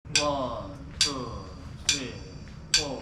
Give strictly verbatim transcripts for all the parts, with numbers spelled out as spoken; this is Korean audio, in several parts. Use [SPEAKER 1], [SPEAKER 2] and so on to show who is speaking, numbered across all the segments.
[SPEAKER 1] 원, 투, 쓰리, 포.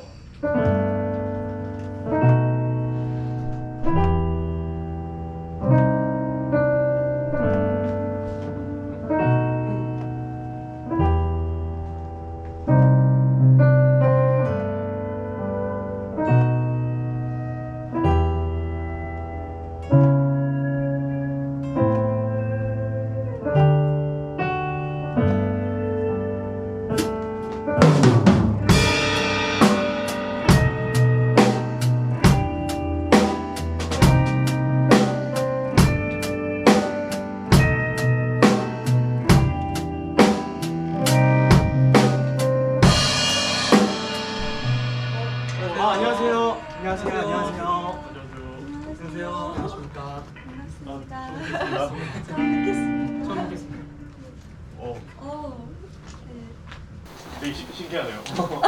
[SPEAKER 2] 아, 안녕하세요. 안녕하세요.
[SPEAKER 1] 안녕하세요.
[SPEAKER 2] 안녕하세요.
[SPEAKER 1] 안녕하세요.
[SPEAKER 2] 안녕하세요. 안녕하십니까.
[SPEAKER 3] 반갑습니다.
[SPEAKER 1] 아,
[SPEAKER 3] 처음 뵙겠습니다.
[SPEAKER 2] 처음 뵙겠습니다.
[SPEAKER 1] 어,
[SPEAKER 3] 어, 네.
[SPEAKER 1] 되게 신- 신기하네요.
[SPEAKER 2] 어,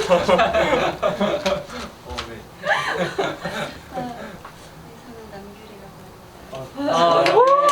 [SPEAKER 2] 네.
[SPEAKER 3] 아, 저는 남규리라고 합니다.
[SPEAKER 2] 아,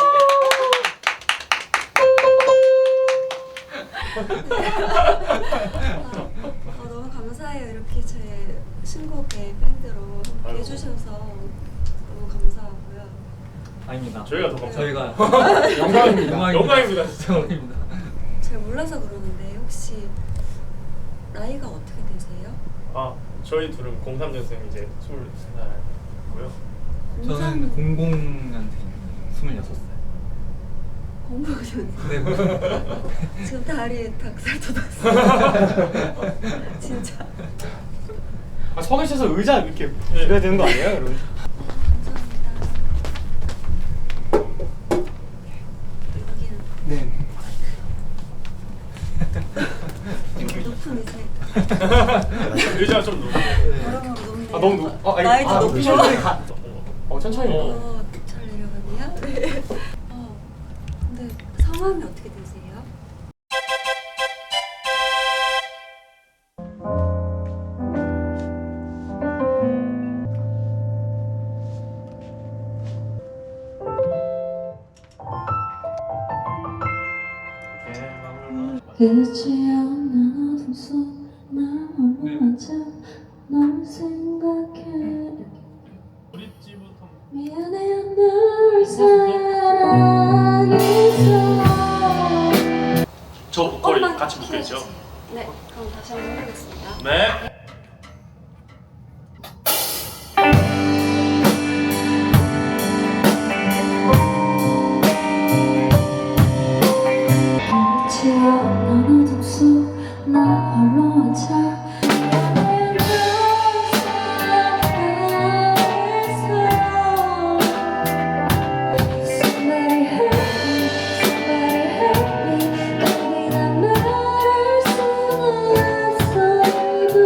[SPEAKER 3] 어, 너무 감사해요. 이렇게 제 신곡의 밴드로 함께
[SPEAKER 1] 아이고.
[SPEAKER 3] 해주셔서 너무 감사하고요.
[SPEAKER 2] 아닙니다.
[SPEAKER 1] 저희가 더 감사합니다.
[SPEAKER 2] 저희가 영광입니다.
[SPEAKER 1] 영광입니다, 진짜.
[SPEAKER 2] 영광입니다.
[SPEAKER 3] 잘 몰라서 그러는데 혹시 나이가 어떻게 되세요?
[SPEAKER 1] 아, 저희 둘은 공삼 년생 이제 스물세 살이고요.
[SPEAKER 2] 저는 공공년생 스물여섯 살.
[SPEAKER 3] 공부하셨는데
[SPEAKER 2] 네.
[SPEAKER 3] 지금 다리에 닭살 돋았어요. 진짜.
[SPEAKER 2] 아, 서 계셔서 의자 이렇게
[SPEAKER 1] 네.
[SPEAKER 2] 드려야 되는 거 아니에요, 여러분?
[SPEAKER 3] 감사합니다. 여기는
[SPEAKER 2] 네.
[SPEAKER 3] 높은 의자에
[SPEAKER 1] 의자가 좀 높아요.
[SPEAKER 3] 여러모로 높네요.
[SPEAKER 2] 아, 너무 높. 어, 아니,
[SPEAKER 3] 나이도
[SPEAKER 2] 아,
[SPEAKER 3] 높고.
[SPEAKER 2] 천천히 가. 어, 천천히. 가.
[SPEAKER 3] 어, 잘 내려가네요. 네. 어, 근데 성함이 어떻게 되세요?
[SPEAKER 1] 네, 마무리.
[SPEAKER 4] 끝이 없는 어둠 속 나 홀로 앉아 널 생각해
[SPEAKER 1] 브릿지부터.
[SPEAKER 4] 미안해 널 사랑해서
[SPEAKER 1] 저 목걸이
[SPEAKER 3] 조금만
[SPEAKER 1] 같이 묶여있죠?
[SPEAKER 3] 키워주세요. 네, 그럼 다시 한번 해보겠습니다.
[SPEAKER 1] 네.
[SPEAKER 4] 끝이 없는 어둠 속 나 홀로 앉아 미안해 널 사랑해서 Somebody help me, somebody help me baby 난 말할 수는 없어도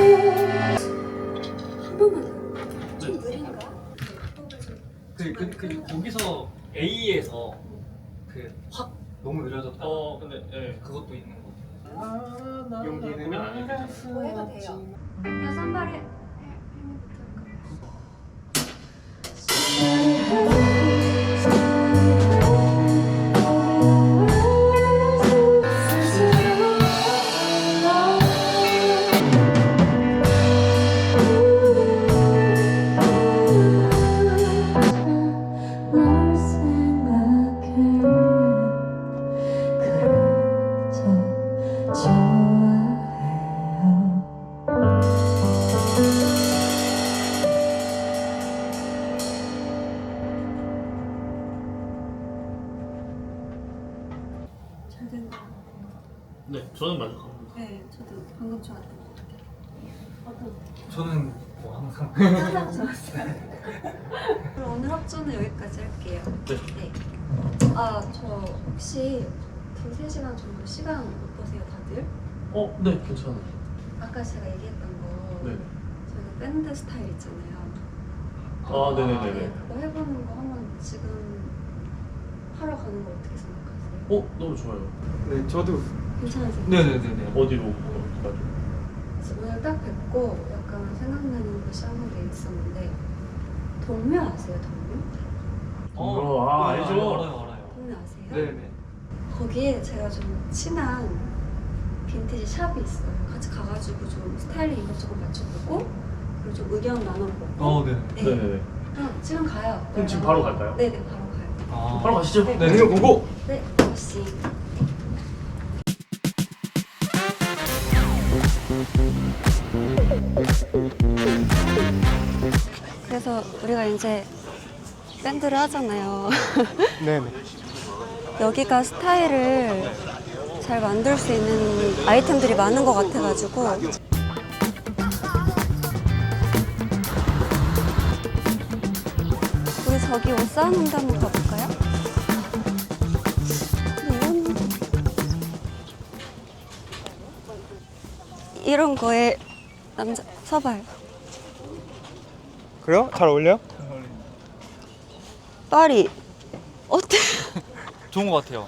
[SPEAKER 3] 한 번만 좀 느린가?
[SPEAKER 2] 그, 그, 그 거기서 A에서 그 확 너무 느려졌다.
[SPEAKER 1] 어, 근데 예.
[SPEAKER 2] 그것도 있는 거.
[SPEAKER 1] 용기는 아니겠죠.
[SPEAKER 3] 뭐 해도 돼요. 그냥 산발에
[SPEAKER 4] Somebody help me, somebody 널 생각해 그저 좋아해요.
[SPEAKER 3] 잘 된 거 같아요.
[SPEAKER 1] 네, 저는 만족합니다.
[SPEAKER 3] 네, 저도 방금 좋았던 것 같아요. 어떤?
[SPEAKER 2] 저는 뭐 항상
[SPEAKER 3] 항상 좋았어요. 그럼 오늘 합주는 여기까지 할게요.
[SPEAKER 1] 네.
[SPEAKER 3] 네. 아, 저 혹시 두세 시간 정도 시간 어떠세요, 다들?
[SPEAKER 1] 어, 네, 괜찮아요.
[SPEAKER 3] 아까 제가 얘기했던 거
[SPEAKER 1] 네.
[SPEAKER 3] 저희가 밴드 스타일 있잖아요.
[SPEAKER 1] 아,
[SPEAKER 3] 네,
[SPEAKER 1] 네네네네.
[SPEAKER 3] 그거 해보는 거 한번 지금 하러 가는 거 어떻게 생각하세요?
[SPEAKER 1] 어, 너무 좋아요.
[SPEAKER 2] 네, 저도
[SPEAKER 3] 괜찮으세요?
[SPEAKER 2] 네네네네.
[SPEAKER 1] 어디로 가죠?
[SPEAKER 3] 그래서 오늘 딱 뵙고 약간 생각나는 곳이 한 군데 있었는데 동묘 아세요, 동묘?
[SPEAKER 1] 어, 아, 알죠.
[SPEAKER 2] 알아요, 알아요.
[SPEAKER 3] 동묘 아세요?
[SPEAKER 2] 네네.
[SPEAKER 3] 거기에 제가 좀 친한 빈티지 샵이 있어요. 같이 가가지고 좀 스타일링 이것저것 맞춰보고 그리고 좀 의견 나눠보고.
[SPEAKER 2] 어, 네.
[SPEAKER 3] 네.
[SPEAKER 1] 네네네.
[SPEAKER 3] 그럼 지금 가요.
[SPEAKER 1] 그럼 지금 바로 갈까요?
[SPEAKER 3] 네네 바로 가요.
[SPEAKER 2] 아,
[SPEAKER 1] 바로 가시죠.
[SPEAKER 3] 네.
[SPEAKER 2] 네, 보고.
[SPEAKER 3] 네, 아저씨. 그래서 우리가 이제 밴드를 하잖아요.
[SPEAKER 2] 네네.
[SPEAKER 3] 여기가 스타일을 잘 만들 수 있는 아이템들이 많은 것 같아가지고 우리 저기 옷 쌓는 데 한번 가볼까요? 이건 이런 거에 남자 서봐요.
[SPEAKER 2] 그래요? 잘 어울려요?
[SPEAKER 3] 파리 어때?
[SPEAKER 2] 좋은 것 같아요.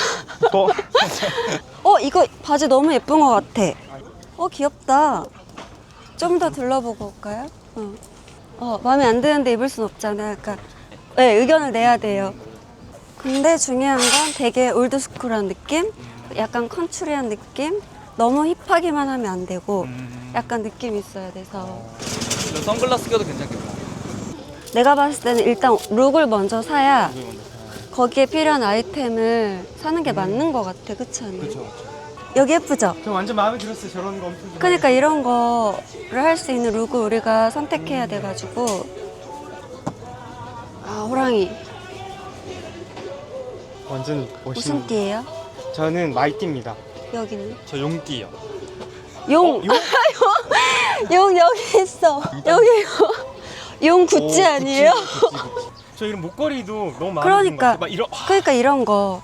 [SPEAKER 3] 어 이거 바지 너무 예쁜 것 같아. 어 귀엽다. 좀 더 둘러보고 올까요? 어. 어 마음에 안 드는데 입을 순 없잖아. 그러니까 네, 의견을 내야 돼요. 근데 중요한 건 되게 올드스쿨한 느낌, 약간 컨츄리한 느낌. 너무 힙하기만 하면 안 되고 약간 느낌 있어야 돼서.
[SPEAKER 2] 선글라스 껴도 괜찮겠다.
[SPEAKER 3] 내가 봤을 때는 일단 룩을 먼저 사야 거기에 필요한 아이템을 사는 게 맞는 것 같아. 그렇지 않아요?
[SPEAKER 2] 그렇죠.
[SPEAKER 3] 여기 예쁘죠?
[SPEAKER 2] 저 완전 마음에 들었어요. 저런 거 엄청 좋아해요.
[SPEAKER 3] 그러니까 이런 거를 할 수 있는 룩을 우리가 선택해야 돼가지고. 아 호랑이
[SPEAKER 5] 완전
[SPEAKER 3] 무슨
[SPEAKER 5] 멋있는.
[SPEAKER 3] 띠예요?
[SPEAKER 5] 저는 마이띠입니다.
[SPEAKER 3] 여기는
[SPEAKER 2] 저 용띠요.
[SPEAKER 3] 용! 용? 용 여기 있어. 여기 용 구찌 아니에요?
[SPEAKER 5] 저 이런 목걸이도 너무 마음에
[SPEAKER 3] 그러니까.
[SPEAKER 5] 드는 것 같아요. 막 이런
[SPEAKER 3] 그러니까 이런 거.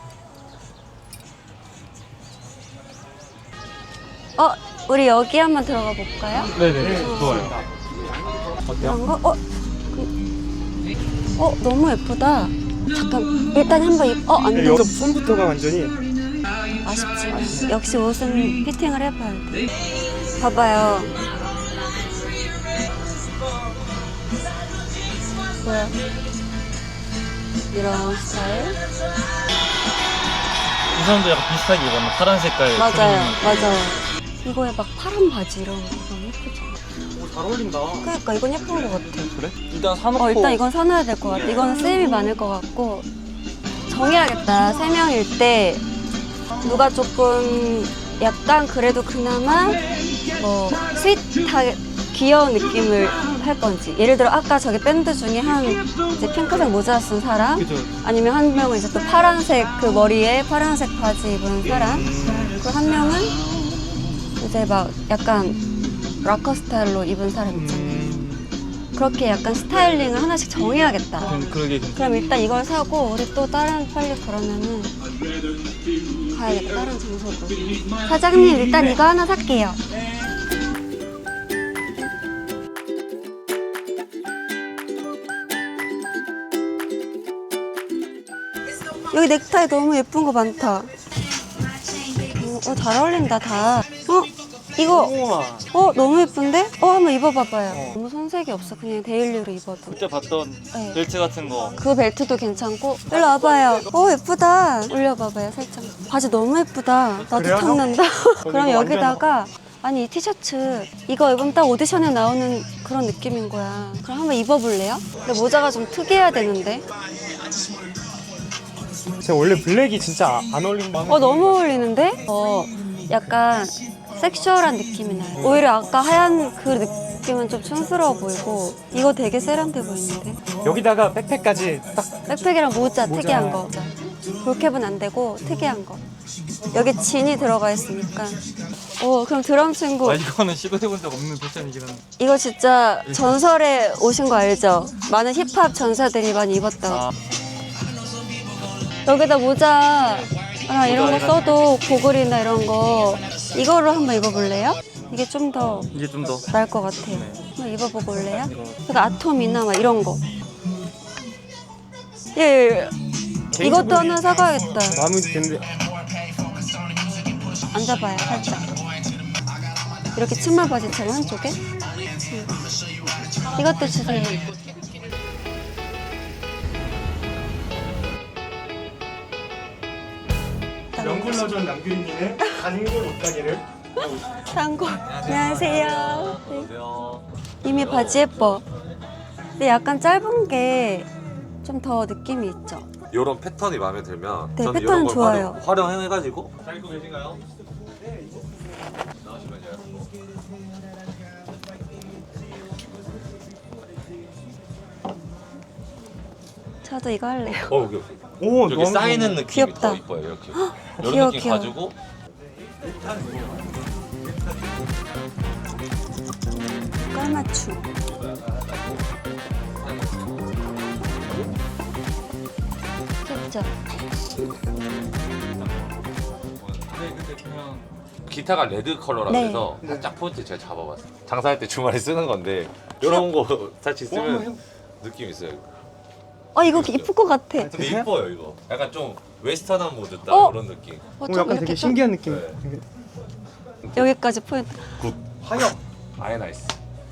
[SPEAKER 3] 어, 우리 여기 한번 들어가 볼까요?
[SPEAKER 1] 네네. 좋아요.
[SPEAKER 3] 이런 거? 어, 그, 어, 너무 예쁘다. 잠깐, 일단 한번 입. 어, 안 돼.
[SPEAKER 5] 여기 손부터가 완전히
[SPEAKER 3] 아쉽지만 역시 옷은 피팅을 해봐야 돼. 봐봐요. 뭐야? 이런 스타일?
[SPEAKER 1] 이 사람도 약간 비슷하게 입었나? 파란 색깔.
[SPEAKER 3] 맞아요, 맞아요. 이거에 막 파란 바지 이런 거 너무 예쁘잖아.
[SPEAKER 2] 잘 어울린다.
[SPEAKER 3] 그러니까 이건 예쁜 것 같아.
[SPEAKER 2] 그래? 일단 사놓고.
[SPEAKER 3] 어, 일단 이건 사놔야 될 것 같아. 이거는 쓰임이 많을 것 같고. 정해야겠다. 세 명일 때 누가 조금 약간 그래도 그나마 뭐 스윗하게 귀여운 느낌을 할 건지. 예를 들어 아까 저기 밴드 중에 한 이제 핑크색 모자 쓴 사람,
[SPEAKER 2] 그죠.
[SPEAKER 3] 아니면 한 명은 이제 또 파란색 그 머리에 파란색 바지 입은 사람, 그리고 한 명은 이제 막 약간 락커 스타일로 입은 사람 있잖아요. 그렇게 약간 스타일링을 하나씩 정해야겠다.
[SPEAKER 2] 음, 그러게 괜찮.
[SPEAKER 3] 그럼 일단 이걸 사고 우리 또 다른 빨리 그러면은 가야겠다. 다른 장소도. 사장님 일단 이거 하나 살게요. 여기 넥타이 너무 예쁜 거 많다. 어, 어, 잘 어울린다 다. 어? 이거
[SPEAKER 2] 우와.
[SPEAKER 3] 어 너무 예쁜데? 어 한번 입어봐봐요. 너무 손색이 없어. 그냥 데일리로 입어도.
[SPEAKER 2] 그때 봤던
[SPEAKER 3] 네.
[SPEAKER 2] 벨트 같은 거.
[SPEAKER 3] 그 벨트도 괜찮고. 일로 와봐요. 어 예쁘다. 올려봐봐요 살짝. 바지 너무 예쁘다. 나도
[SPEAKER 5] 그래요?
[SPEAKER 3] 탐난다. 그럼
[SPEAKER 5] 이거
[SPEAKER 3] 여기다가 아니 이 티셔츠 이거 입으면 딱 오디션에 나오는 그런 느낌인 거야. 그럼 한번 입어볼래요? 근데 모자가 좀 특이해야 되는데.
[SPEAKER 5] 제가 원래 블랙이 진짜 안 어울린다.
[SPEAKER 3] 어 너무 어울리는데? 어 약간 섹슈얼한 느낌이 나요. 오히려 아까 하얀 그 느낌은 좀 촌스러워 보이고 이거 되게 세련돼 보이는데?
[SPEAKER 5] 여기다가 백팩까지 딱
[SPEAKER 3] 백팩이랑 모자,
[SPEAKER 5] 모자.
[SPEAKER 3] 특이한 거. 볼캡은 안 되고 특이한 거. 여기 진이 들어가 있으니까. 어 그럼 드럼 친구
[SPEAKER 2] 아 이거는 시도해본 적 없는 패션이긴 한데.
[SPEAKER 3] 이거 진짜 전설에 오신 거 알죠? 많은 힙합 전사들이 많이 입었다고.
[SPEAKER 2] 아.
[SPEAKER 3] 여기다 모자 아, 이런 거 써도 고글이나 이런 거 이거로 한번 입어볼래요? 이게 좀 더
[SPEAKER 2] 이게 좀 더.
[SPEAKER 3] 나을 것 같아요. 한번 입어보고 올래요? 그러니까 아톰이나 막 이런 거. 예, 예, 예. 이것도 하나 사가야겠다.
[SPEAKER 5] 마음에 드는데
[SPEAKER 3] 앉아봐요, 살짝. 이렇게 치마 바지처럼 한쪽에. 응. 이것도 주세요. 딱.
[SPEAKER 5] 영굴러전 남규리님의 단골 옷가게를
[SPEAKER 3] 단골. 안녕하세요. 네.
[SPEAKER 2] 안녕하세요.
[SPEAKER 3] 이미 바지 예뻐. 근데 약간 짧은 게 좀 더 느낌이 있죠.
[SPEAKER 6] 이런 패턴이 마음에 들면
[SPEAKER 3] 네,
[SPEAKER 6] 저는
[SPEAKER 3] 패턴은
[SPEAKER 6] 이런 걸
[SPEAKER 3] 좋아요.
[SPEAKER 6] 활용, 활용해가지고
[SPEAKER 2] 잘 입고 계신가요?
[SPEAKER 3] 저도 이거 할래요.
[SPEAKER 6] 어 여기
[SPEAKER 5] 오
[SPEAKER 6] 여기 쌓이는 느낌이
[SPEAKER 3] 귀엽다.
[SPEAKER 6] 더 이뻐요. 이렇게 이런
[SPEAKER 3] 귀여워,
[SPEAKER 6] 느낌
[SPEAKER 3] 귀여워.
[SPEAKER 6] 가지고
[SPEAKER 3] 깔맞춤. 귀엽죠?
[SPEAKER 6] 기타가 레드 컬러라
[SPEAKER 3] 네.
[SPEAKER 6] 그래서 살짝 포인트 제가 잡아봤어요. 장사할 때 주말에 쓰는 건데 이런 거 같이 쓰면 느낌 있어요.
[SPEAKER 3] 어 이거 이쁠 것 같아.
[SPEAKER 6] 근데 이뻐요 이거. 약간 좀 웨스턴한 모드 딱
[SPEAKER 3] 어?
[SPEAKER 6] 그런 느낌.
[SPEAKER 3] 어,
[SPEAKER 5] 오,
[SPEAKER 3] 좀
[SPEAKER 5] 약간
[SPEAKER 3] 이렇게
[SPEAKER 5] 되게
[SPEAKER 3] 좀
[SPEAKER 5] 신기한 느낌.
[SPEAKER 6] 네.
[SPEAKER 3] 여기까지 포인트.
[SPEAKER 5] 하영.
[SPEAKER 6] 아예 나이스.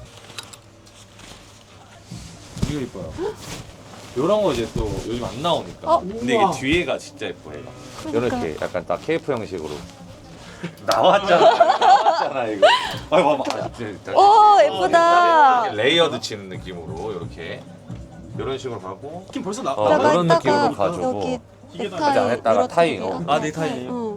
[SPEAKER 6] 이거 이뻐요. 이런 거 이제 또 요즘 안 나오니까.
[SPEAKER 3] 어?
[SPEAKER 6] 근데
[SPEAKER 5] 우와.
[SPEAKER 6] 이게 뒤에가 진짜 예뻐요.
[SPEAKER 3] 그러니까.
[SPEAKER 6] 이렇게 약간 딱 케이프 형식으로 나왔잖아. 나왔잖아 이거. 아 봐봐. 아, 진짜.
[SPEAKER 3] 오 예쁘다.
[SPEAKER 6] 이렇게 레이어드 치는 느낌으로 이렇게 이런 식으로 가고
[SPEAKER 5] 느낌 벌써 나.
[SPEAKER 6] 어,
[SPEAKER 3] 여기다가
[SPEAKER 6] 이런 느낌으로
[SPEAKER 3] 여기
[SPEAKER 6] 가지고
[SPEAKER 3] 넥타이
[SPEAKER 6] 안에다가
[SPEAKER 3] 이렇게
[SPEAKER 6] 타이,
[SPEAKER 3] 이렇게
[SPEAKER 6] 어.
[SPEAKER 2] 아, 넥타이.
[SPEAKER 3] 어.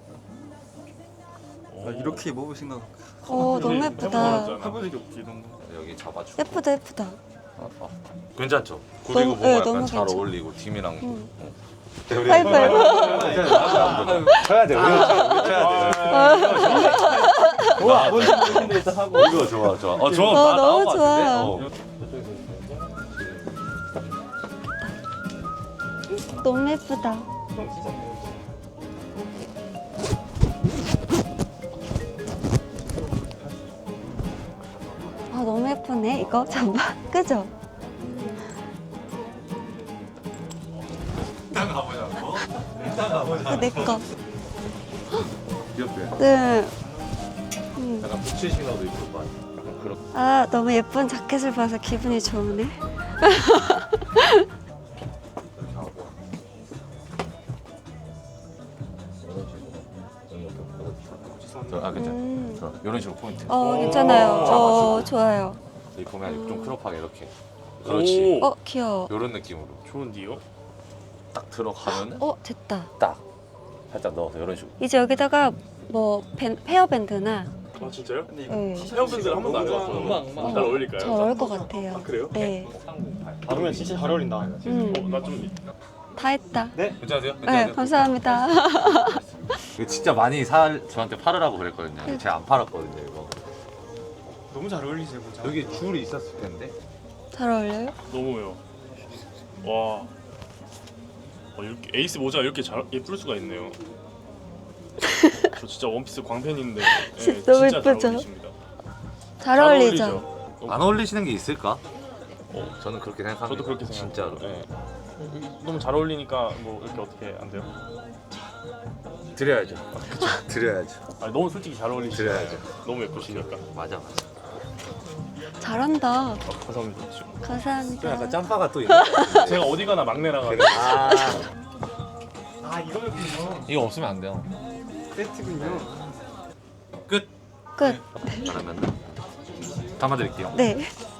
[SPEAKER 2] 아, 이렇게 입어보신가?
[SPEAKER 3] 어 너무 예쁘다.
[SPEAKER 2] 해본 적이 없지 이런 거.
[SPEAKER 6] 여기 잡아주고.
[SPEAKER 3] 예쁘다 예쁘다.
[SPEAKER 6] 어, 어. 괜찮죠? 구리고
[SPEAKER 3] 너무-
[SPEAKER 6] 보면
[SPEAKER 3] 네,
[SPEAKER 6] 약간
[SPEAKER 3] 너무
[SPEAKER 6] 잘
[SPEAKER 3] 괜찮아.
[SPEAKER 6] 어울리고 팀이랑.
[SPEAKER 3] 응.
[SPEAKER 6] 어. 네, 우리-
[SPEAKER 3] 하이파이브.
[SPEAKER 6] 쳐야 돼. 우리가 쳐야 돼.
[SPEAKER 2] 좋아. 뭔지 모르겠는데 일단 하고.
[SPEAKER 6] 이거 좋아 좋아. 어 좋아.
[SPEAKER 3] 어,
[SPEAKER 6] 나
[SPEAKER 3] 너무
[SPEAKER 6] 나온 것
[SPEAKER 3] 좋아.
[SPEAKER 6] 같은데? 어.
[SPEAKER 3] 너무 예쁘다. 아 너무 예쁘네 이거 잠깐 그죠?
[SPEAKER 6] 일단 가보자고. 일단
[SPEAKER 3] 이거
[SPEAKER 6] 가보자.
[SPEAKER 3] 내 거.
[SPEAKER 6] 귀엽게.
[SPEAKER 3] 네. 음.
[SPEAKER 6] 약간 부츠 신어도 이쁠 것 같아. 약간 그렇게.
[SPEAKER 3] 아 너무 예쁜 자켓을 봐서 기분이 좋으네.
[SPEAKER 6] 하고. 저, 아 괜찮아.
[SPEAKER 3] 음.
[SPEAKER 6] 저, 이런 식으로 포인트.
[SPEAKER 3] 어 괜찮아요. 어
[SPEAKER 6] 잡아주고.
[SPEAKER 3] 좋아요.
[SPEAKER 6] 여기 보면 좀 크롭하게 이렇게. 그렇지.
[SPEAKER 1] 오,
[SPEAKER 3] 어 귀여워.
[SPEAKER 6] 이런 느낌으로
[SPEAKER 1] 좋은데요?
[SPEAKER 6] 딱 들어가면은
[SPEAKER 3] 어 됐다.
[SPEAKER 6] 딱 살짝 넣어서 이런 식으로.
[SPEAKER 3] 이제 여기다가 뭐 밴, 헤어밴드나
[SPEAKER 1] 아 진짜요?
[SPEAKER 3] 네.
[SPEAKER 1] 헤어밴드를 한 번도 안 해봐서
[SPEAKER 2] 엉망,
[SPEAKER 1] 잘 어울릴까요?
[SPEAKER 3] 잘 어울릴 것 같아요.
[SPEAKER 1] 그래요?
[SPEAKER 3] 네.
[SPEAKER 5] 받으면 진짜 잘 어울린다.
[SPEAKER 3] 음.
[SPEAKER 1] 어, 나좀
[SPEAKER 3] 다 했다.
[SPEAKER 6] 괜찮으세요?
[SPEAKER 3] 네
[SPEAKER 6] 괜찮으세요?
[SPEAKER 3] 감사합니다.
[SPEAKER 6] 이거 진짜 많이 사 저한테 팔으라고 그랬거든요. 제가 안 팔았거든요 이거.
[SPEAKER 5] 너무 잘 어울리세요, 모자.
[SPEAKER 6] 여기 줄이 있었을 텐데.
[SPEAKER 3] 잘 어울려요?
[SPEAKER 1] 너무요. 와. 어, 이렇게 에이스 모자 이렇게 잘 예쁠 수가 있네요. 저 진짜 원피스 광팬인데 예,
[SPEAKER 3] 진짜 너무
[SPEAKER 1] 진짜 잘
[SPEAKER 3] 예쁘죠?
[SPEAKER 1] 어울리십니다.
[SPEAKER 3] 잘 어울리죠?
[SPEAKER 1] 어울리죠?
[SPEAKER 6] 안 어울리시는 게 있을까? 어, 저는 그렇게 생각합니다.
[SPEAKER 1] 저도 그렇게
[SPEAKER 6] 진짜로.
[SPEAKER 1] 생각해요. 예. 너무 잘 어울리니까 뭐 이렇게 어떻게 안 돼요?
[SPEAKER 6] 드려야죠. 드려야죠.
[SPEAKER 1] 아니, 너무 솔직히 잘 어울리시죠.
[SPEAKER 6] 드려야죠.
[SPEAKER 1] 너무 예쁘시니까.
[SPEAKER 6] 맞아 맞아.
[SPEAKER 3] 잘한다.
[SPEAKER 1] 아, 감사합니다.
[SPEAKER 3] 감사합니다.
[SPEAKER 6] 약간 짬바가 또 있는.
[SPEAKER 1] 제가 어디 가나 막내라 가지고
[SPEAKER 6] 아
[SPEAKER 5] 아 이거였군요.
[SPEAKER 6] 이거 없으면 안 돼요.
[SPEAKER 5] 세트군요.
[SPEAKER 6] 끝.
[SPEAKER 3] 끝.
[SPEAKER 6] 그러면 담아드릴게요.
[SPEAKER 3] 네.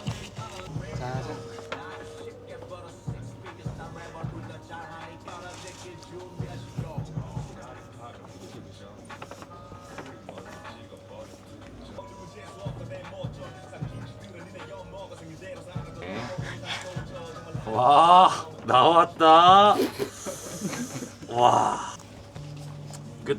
[SPEAKER 6] 와 나왔다. 와 끝.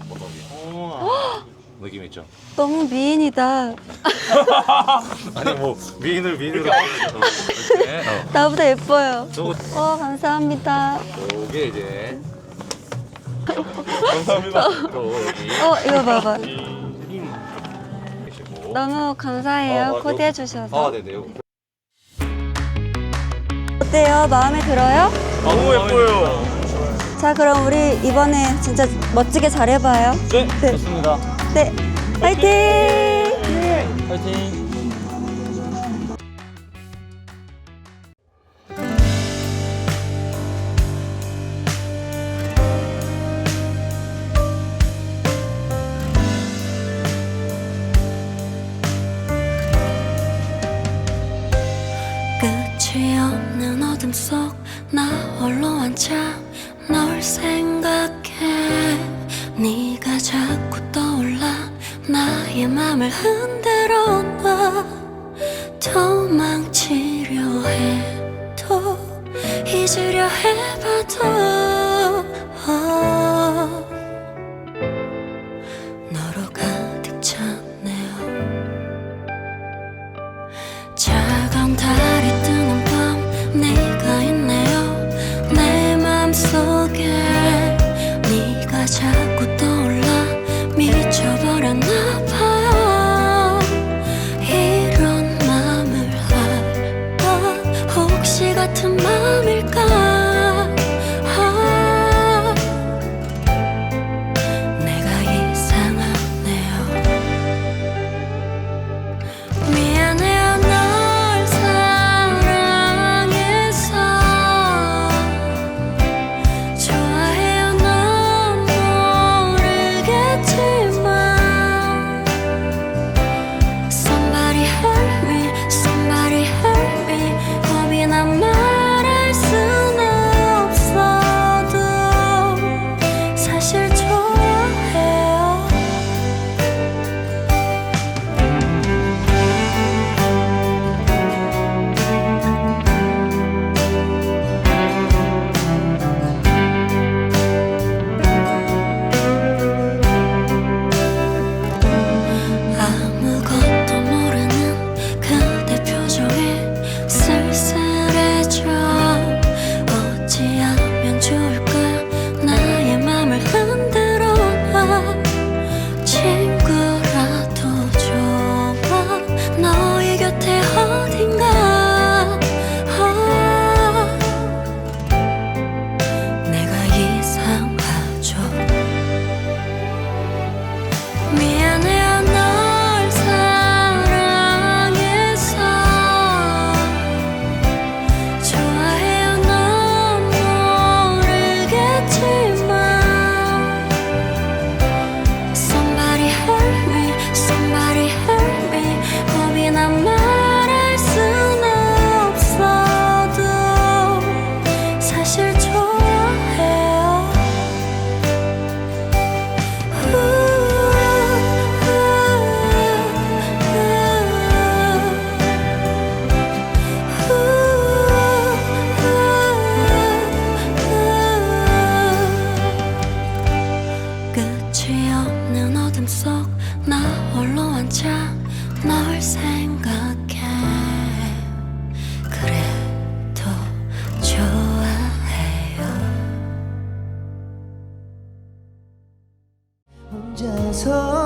[SPEAKER 6] 느낌 있죠?
[SPEAKER 3] 너무 미인이다.
[SPEAKER 6] 아니 뭐 미인을 미인으로 이렇게 어.
[SPEAKER 3] 나보다 예뻐요.
[SPEAKER 6] 저거
[SPEAKER 3] 어 감사합니다.
[SPEAKER 6] 요게 이제
[SPEAKER 1] 감사합니다.
[SPEAKER 6] 또 여기
[SPEAKER 3] 어 이거 봐봐.
[SPEAKER 6] 계시고.
[SPEAKER 3] 너무 감사해요.
[SPEAKER 6] 어, 어,
[SPEAKER 3] 코디해
[SPEAKER 6] 아
[SPEAKER 3] 주셔서.
[SPEAKER 6] 네네. 요.
[SPEAKER 3] 어때요? 마음에 들어요?
[SPEAKER 1] 너무 예뻐요.
[SPEAKER 3] 자 그럼 우리 이번에 진짜 멋지게 잘해봐요.
[SPEAKER 2] 네,
[SPEAKER 3] 네.
[SPEAKER 2] 좋습니다.
[SPEAKER 3] 네. 화이팅! 네.
[SPEAKER 2] 파이팅.
[SPEAKER 4] 어둠 속 나 홀로 앉아 널 생각해. 네가 자꾸 떠올라 나의 맘을 흔들어 놔. 도망치려 해도 잊으려 해봐도 어, 너로 가득 찼네요. 차가운 달이 뜨는 밤 네가 있네요. 내 맘속에 네가 자꾸 떠올라 미쳐버렸나 봐요. 이런 맘을 알까? 혹시 같은 맘일까? 아, 내가 이상하네요. 미안해요 널 사랑해서. 좋아해요 넌 모르겠지만 Somebody help me, somebody help me. 겁이 난 말할 순 없어도 사실 좋아해요. 아무것도 모르는 그대 표정에 쓸쓸해져. 어찌하면 좋을까? 나의 맘을 흔들어 놔. 친구라도 좋아. 너의 곁에 어딘가. 아, 내가 이상하죠. 미안해요 널 사랑해서. 좋아해요 넌 모르겠지만 Somebody help me, somebody help me. 겁이 난 말할 순 없어도 사실 좋아해요. 끝이 없는 어둠 속 나 홀로 앉아 널 생각해. 그래도 좋아해요.
[SPEAKER 7] 혼자서